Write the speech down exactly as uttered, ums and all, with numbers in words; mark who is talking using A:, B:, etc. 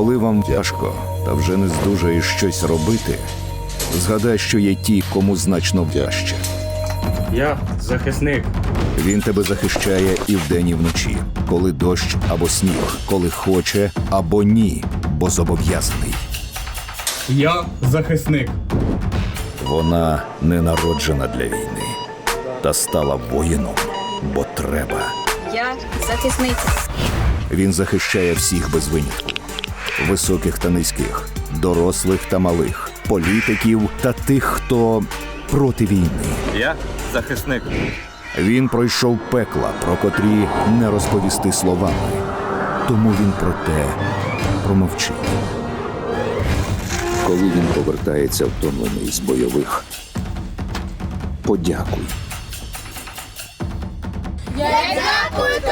A: Коли вам тяжко та вже не здужаєш щось робити, згадай, що є ті, кому значно тяжче.
B: Я захисник.
A: Він тебе захищає і вдень, і вночі, коли дощ або сніг, коли хоче або ні, бо зобов'язаний.
B: Я захисник.
A: Вона не народжена для війни, та стала воїном, бо треба.
C: Я захисниця.
A: Він захищає всіх без винятку. Високих та низьких, дорослих та малих, політиків та тих, хто проти війни.
D: Я захисник.
A: Він пройшов пекла, про котрі не розповісти словами. Тому він про те промовчить. Коли він повертається втомлений з бойових, подякуй.
E: Я дякую